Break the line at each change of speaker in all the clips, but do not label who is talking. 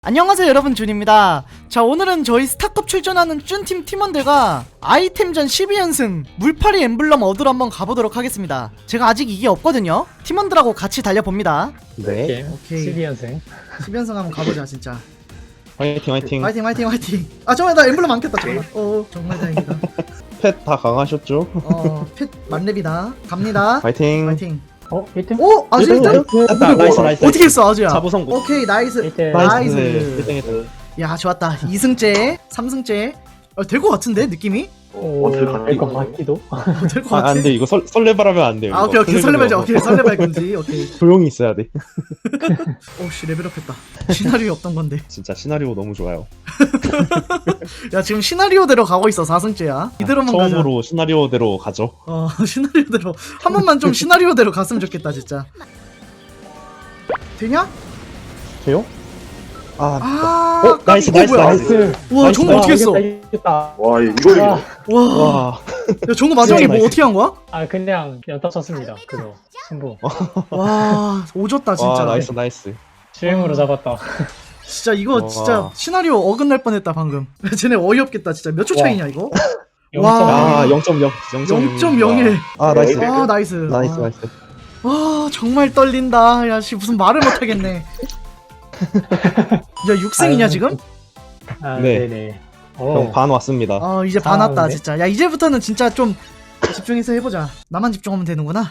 안녕하세요 여러분, 준입니다. 자, 오늘은 저희 스타컵 출전하는 쭌팀 팀원들과 아이템전 12연승 물파리 엠블럼 얻으러 한번 가보도록 하겠습니다. 제가 아직 이게 없거든요. 팀원들하고 같이 달려봅니다.
네.
오케이.
12연승.
12연승 한번 가보자 진짜.
화이팅 화이팅.
화이팅 화이팅 화이팅. 아 정말 나 엠블럼 안 켰다 정말. 정말 다행이다.
펫 다 강하셨죠?
펫 만렙이다. 갑니다.
화이팅.
화이팅.
1등?
오 아주 일단
나이스.
어떻게 했어 아주야.
자부 성공.
오케이 나이스.
1등.
나이스.
1등했어.
야 좋았다. 2승째 3승째 될 것 같은데 느낌이?
될것 같기도.
될 것 같아.
안 돼. 이거 설레발하면 안 돼요.
아
이거.
오케이 설레발자. 오케이 설레발 금지. 오케이.
조용히 있어야 돼.
오씨 레벨업했다. 시나리오 없던 건데.
진짜 시나리오 너무 좋아요.
야 지금 시나리오대로 가고 있어. 4승째야. 이대로만 가자.
처음으로 시나리오대로 가죠.
시나리오대로 한 번만 좀 시나리오대로 갔으면 좋겠다 진짜. 되냐?
돼요?
나이스
나이스.
뭐야?
나이스.
와 정우 어떻게 했어?
이겼다.
와 이거
와.
와.
야 정우 마지막에 뭐
나이스.
어떻게 한 거야?
그냥 연타 쳤습니다. 그거 승부.
와 오졌다 진짜.
와 나이스.
주행으로 잡았다.
진짜 이거
와.
진짜 시나리오 어긋날 뻔했다 방금. 쟤네 어이없겠다 진짜. 몇 초 차이냐 이거?
아 0.0.
0.01.
아 나이스.
아 나이스.
나이스.
와 정말 떨린다. 야씨 무슨 말을 못하겠네. 야 6승이냐 지금?
네.
네네.
형 반 왔습니다.
이제 반 왔다
잘하는데?
진짜. 야 이제부터는 진짜 좀 집중해서 해보자. 나만 집중하면 되는구나.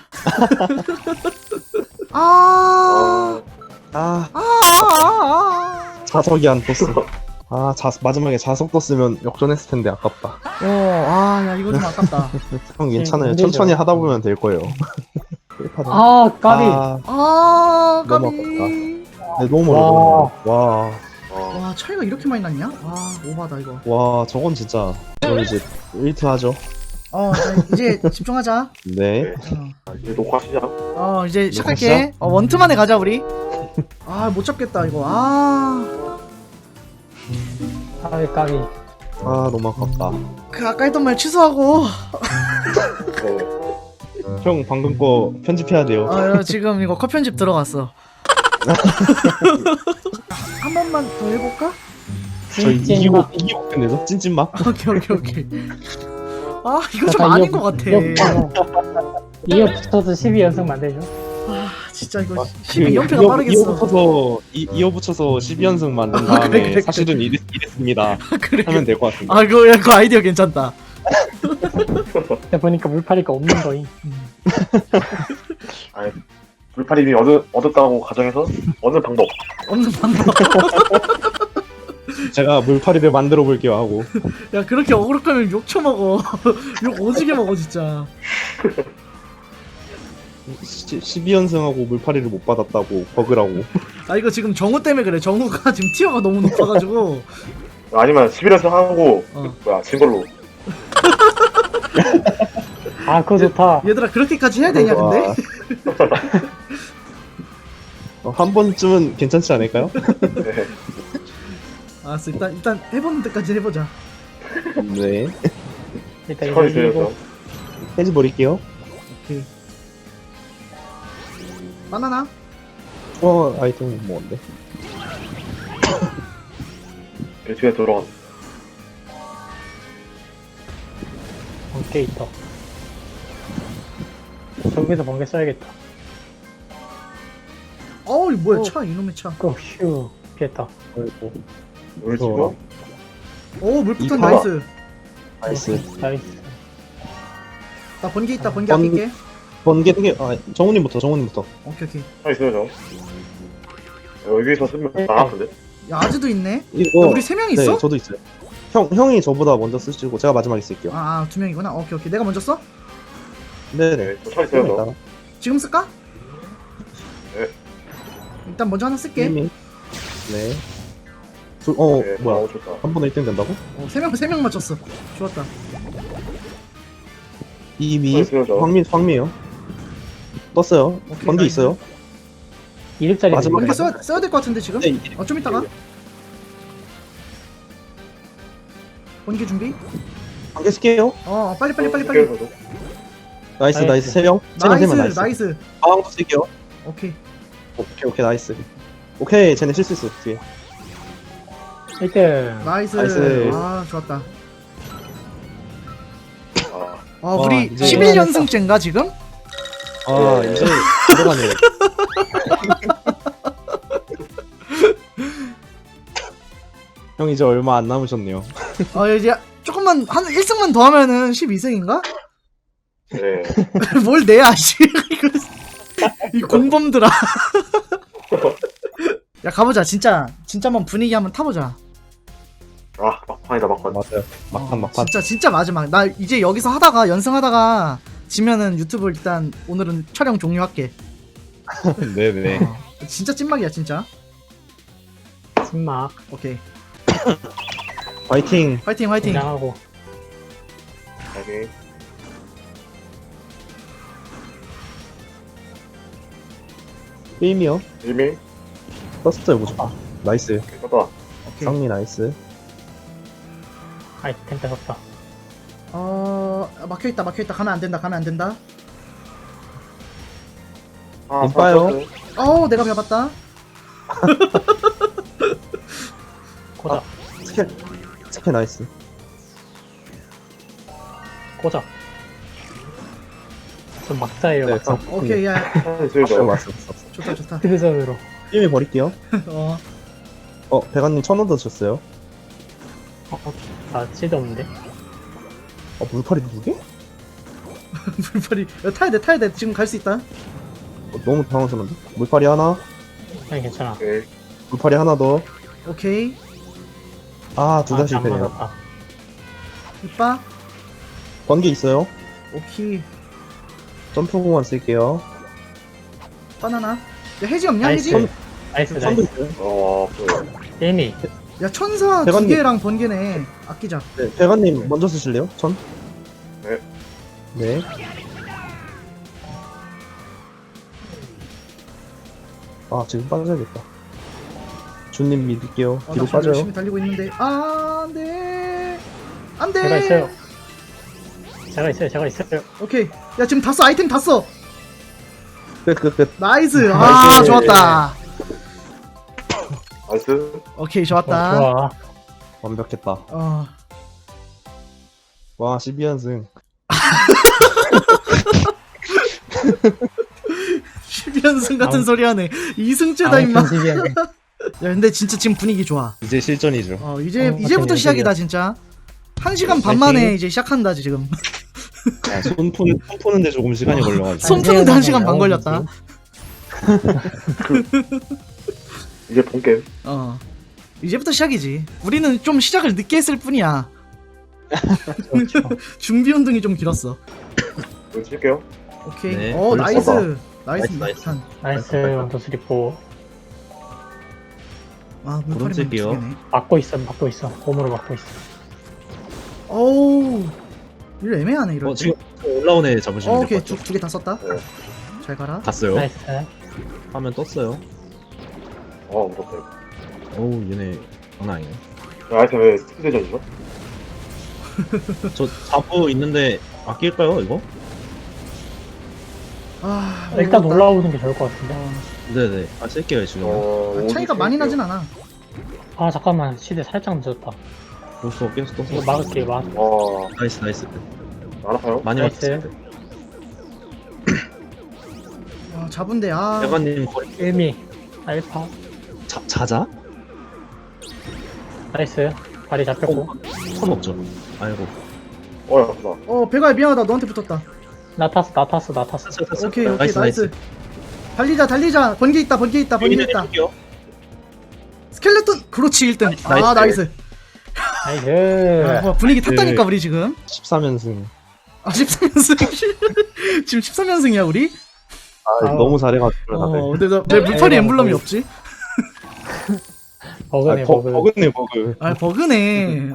자석이 안 떴어. 마지막에 자석 떴으면 역전했을 텐데 아깝다.
야 이거 좀 아깝다.
형 괜찮아요.
힘들죠.
천천히 하다 보면 될 거예요.
까비.
까비.
너무 네, 너무 어려워. 와.
와 차이가 이렇게 많이 났냐? 오바다 이거.
와, 저건 진짜. 저 이제 1트 하죠.
자, 이제 집중하자.
네.
이제 녹화 시작.
이제 시작할게. 원투만에 가자 우리. 못 잡겠다 이거.
까비.
너무 아깝다.
그 아까 했던 말 취소하고.
형, 방금 거 편집해야 돼요.
지금 이거 컷 편집 들어갔어. 한 번만 더 해볼까?
저희 이기고 끝내죠? 찐찐막?
오케이. 이거 좀 아닌 것 같아.
이어 붙어서 12연승 만들죠.
진짜 이거 12연패가 빠르겠어.
이어 붙여서 12연승 만든 다음에
그래.
사실은 이랬습니다.
그래.
하면 될 것 같습니다.
그거 아이디어 괜찮다.
근데 보니까 물파리가 없는 거임.
물파리미 얻었다고 가정해서 얻는 방법.
없는 방법.
제가 물파리를 만들어 볼게요 하고.
야 그렇게 어그로 끌면 욕 쳐먹어. 욕 오지게 먹어 진짜.
12연승하고 물파리를 못 받았다고 버그라고.
이거 지금 정우 때문에 그래. 정우가 지금 티어가 너무 높아가지고.
아니면 11연승 하고 진 걸로.
그거 좋다.
얘들아 그렇게까지 해야 되냐 근데?
한 번쯤은 괜찮지 않을까요?
네.
알았어 일단 해보는 데까지 해보자.
네.
일단 이거
처리
이기고.
되어서.
해지 버릴게요.
오케이. 바나나?
아이템 뭔데?
뒤에 들어간.
번개 있다. 저기서 번개 써야겠다.
이거 뭐야 차 이놈의 차.
휴. 피했다.
우리 집은
물폭탄
이파.
나이스.
나이스.
나 번개 있다. 번개 아낄게.
번개 등에 정우님부터.
오케이.
차 있어요 저. 여기서 쓰면 나갔는데.
야 아즈도 있네.
이거
우리 3명 있어?
네, 저도 있어요. 형이 저보다 먼저 쓰시고 제가 마지막에 쓸게요.
2명이구나. 오케이. 내가 먼저 써?
네네.
네, 차 있어요 저.
지금 쓸까?
네.
일단 먼저 하나 쓸게.
네.
네,
뭐야?
좋다.
한 번에 1등 된다고?
3명 맞췄어. 좋았다.
이미
있어요, 저.
황미에요. 떴어요.
오케이,
번개
나이스.
있어요.
2렙짜리.
마지막
번개 써야 될 것 같은데 지금?
네.
좀 이따가. 번개 준비.
번개 쓸게요.
빨리.
나이스.
나이스.
3명.
나이스.
방황도 쓸게요.
오케이.
오케이 나이스. 오케이 쟤네 실수 있어 뒤에.
1등.
나이스.
나이스.
아 좋았다.
아,
아 우리
이제
11연승째인가 지금?
아
예.
이제 들어가네요. 형 이제 얼마 안 남으셨네요.
이제 조금만 한 1승만 더 하면은 12승인가?
네.
뭘 내야 씨. 이 공범들아. 야 가보자 진짜 한번 분위기 한번 타보자.
아, 막판이다, 막판.
맞아요. 막판 막판.
진짜 마지막. 나 이제 여기서 하다가 연승하다가 지면은 유튜브 일단 오늘은 촬영 종료할게.
네네.
진짜 찐막이야 진짜.
신막.
오케이.
파이팅.
화이팅 화이팅.
긴장하고.
오케이.
게임이요.
이미?
떴어요 무조건. 나이스.
떴다.
오케이.
상미 나이스.
아이템 뺏었다.
막혀있다 가면 안 된다.
아,
이빠요.
내가 벼봤다.
고작.
스킬 나이스.
고작. 좀 막자예요,
네,
막자.
오케이 야
슬쩍.
왔어.
좋다.
드전으로.
게임이 버릴게요. 배가님 1000원 더 줬어요.
나 치드 없는데?
물파리 두 개?
물파리. 야, 타야 돼. 지금 갈 수 있다.
너무 당황스러운데? 물파리 하나.
아니, 괜찮아.
오케이.
물파리 하나 더.
오케이.
아, 둘 다
안
실패네요.
맞았다.
이빠.
번개 있어요.
오케이.
점프공만 쓸게요.
바나나. 야 해지 없냐
나이스.
해지?
나이스,
선도
나이스.
있어요.
게임이.
야 천사 두
대관님.
개랑 번개네. 아끼자.
네, 배가님 먼저 쓰실래요? 천?
네.
네. 아, 지금 빠져야겠다. 준님 믿을게요.
나
뒤로
지금
빠져요.
열심히 달리고 있는데. 안돼.
제가 있어요. 제가 있어요.
오케이. 야 지금 다 써. 아이템 다 써.
끝.
나이스. 아
나이스.
좋았다.
나이스.
오케이 좋았다.
좋아.
완벽했다.
어.
와, 12연승.
12연승 같은 소리 하네. 2승째다 임마. 야 근데 진짜 지금 분위기 좋아.
이제 실전이죠.
이제부터
맞네,
시작이다 진짜. 1시간 반 만에 이제 시작한다 지금.
아, 손 푸는데 조금 시간이 걸려가지고.
손 푸는데 1시간 반 걸렸다.
이제 본게임.
이제부터 시작이지. 우리는 좀 시작을 늦게 했을 뿐이야.
그렇죠.
준비 운동이 좀 길었어.
이거 칠게요.
오케이.
네,
나이스.
걸렸어.
나이스.
나이스.
탄.
나이스, 원더 스리포.
아, 물파리만
오른쪽이요.
두 개네.
막고 있어. 홈으로 막고 있어.
어우. 이거 애매하네 이럴 때.
지금 올라온 애 잡으시면
오케이.
될것 같아요.
두 개 다 썼다.
네.
잘 가라.
갔어요.
나이스.
화면 떴어요.
무섭다, 이거.
어우, 얘네 장난 아니네.
아이템 왜 스피드전이죠?
저 자부 있는데 아낄까요, 이거?
일단
어렵다.
올라오는 게 좋을 것 같은데.
네네. 아, 쓸게요, 지금.
차이가 많이 나진 않아.
아, 잠깐만. 시대 살짝 늦었다.
벌써 계속 떴어.
이거 막을게, 막.
와,
나이스.
알아봐요?
많이
나이스.
왔을 때.
잡은데
대관님 거리
일미. 알파.
자자?
나이스. 발이 잡혔고.
선 없죠? 아이고.
아프다.
배가 미안하다. 너한테 붙었다.
나 탔어.
오케이. 나이스. 달리자. 번개 있다. 스켈레톤. 그렇지 1등. 아, 나이스.
나이스.
분위기 탔다니까
네.
우리 지금.
13연승.
13연승. 지금 13연승이야 우리?
아, 너무 잘해가지고 다들.
근데 왜 물파리 엠블럼이 없지?
버그네, 버그.
버그네, 버그.
아, 버그네.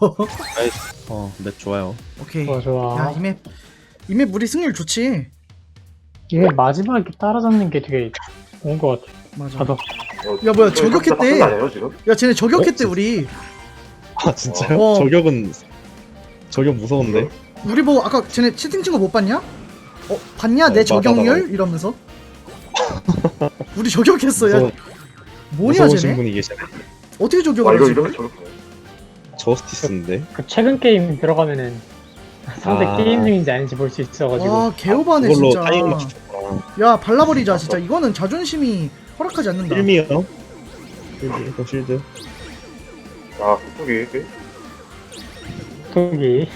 맵 좋아요.
오케이.
좋아.
야, 이 맵 우리 승률 좋지.
이게 마지막에 따라잡는 게 되게 좋은 것 같아.
맞아.
저도.
야, 뭐야, 저격했대.
아니에요, 지금?
야, 쟤네 저격했대 우리.
아, 진짜요?
어.
저격 무서운데?
우리 뭐 아까 쟤네 채팅 친거 못 봤냐? 봤냐? 내
맞아,
저격률?
맞아.
이러면서. 우리 저격했어. 야, 뭐냐
무서우신
쟤네?
분이 계시네.
어떻게
아, 이거
저격을
이러면
하지?
저렇게.
저스티스인데.
그 최근 게임 들어가면은 상대
아.
게임 중인지 아닌지 볼 수 있어가지고.
와 개오바네
그걸로
진짜.
타이밍 맞추셨구나.
야 발라버리자 진짜. 이거는 자존심이 허락하지 않는다.
1미요. 실드, 또 실드.
아, 속이.
속이.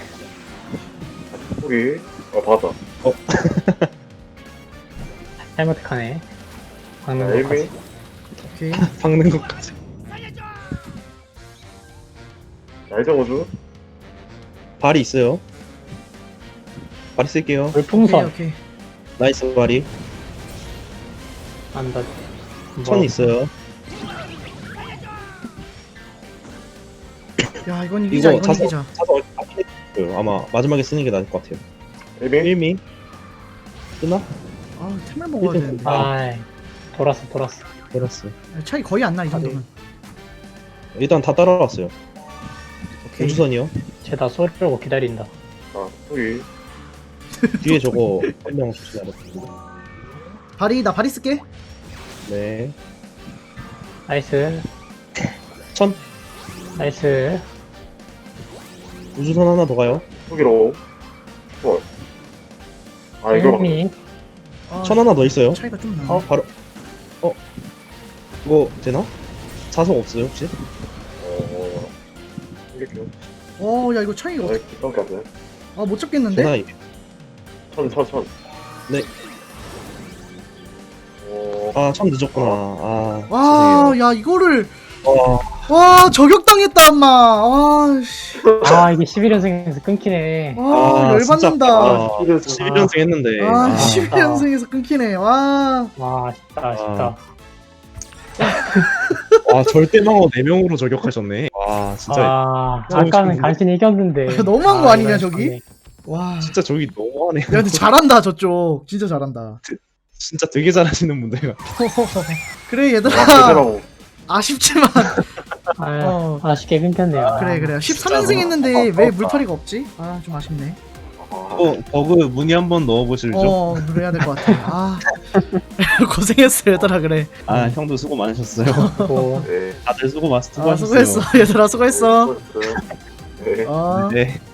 속이. 받았다.
잘못하네.
자,
박는
1미.
것까지.
오케이.
박는 것까지.
자, 1.5주.
발이 있어요. 발이 쓸게요.
오케이
물풍선.
오케이.
나이스 발이.
안다.
천 있어요.
야 이건 이기자. 이건 이기자.
자석 아마 마지막에 쓰는 게 나을 것 같아요.
1미.
1미. 쓰나?
아 템을 먹어야
일단-
되는데.
아, 돌았어.
알았어.
차이 거의 안 나 이 정도면.
일단 다 따라왔어요.
오케이.
우주선이요.
쟤다 쏘려고 기다린다.
아, 속이.
뒤에 저거 한 명 조심해야 돼.
발이 나 발이 쓸게.
네.
나이스.
천.
나이스.
우주선 하나 더 가요.
속이로. 헐. 아, 이거.
미
아,
천 하나 더 있어요.
차이가 좀 나.
바로. 이거 되나? 자석 없어요 혹시?
이렇게.
야 이거 차이가
아, 이렇게 하세요.
못 잡겠는데?
되나 이게?
천.
네.
어,
천 늦었구나. 아.
와, 야 이거를
죄송해요.
와 저격당했다 엄마. 와, 씨.
아, 이게 11연승에서 끊기네.
와 열받는다.
아,
11연승.
11연승 했는데.
아,
아,
11연승에서 끊기네. 와.
와, 아쉽다.
와, 절대망어 4명으로 저격하셨네. 와, 진짜.
아,
너무
아까는
좋은데?
간신히 이겼는데.
너무한 거 아니냐,
이거
저기?
아쉽네.
와.
진짜 저기 너무하네.
야 근데 잘한다 저쪽. 진짜 잘한다.
진짜 되게 잘하시는 분들 같아.
그래 얘들아.
제대로.
아쉽지만
아, 아쉽게 끊겼네요.
그래 13연승 했는데 왜 물파리가 없지? 아 좀 아쉽네.
버그 문의 한번 넣어보실죠?
그래야 될 것 같아. 아 고생했어 얘들아. 그래.
아, 형도 수고 많으셨어요.
뭐,
네.
다들 수고하셨어요.
수고했어 얘들아. 수고했어.
네.
아.
네.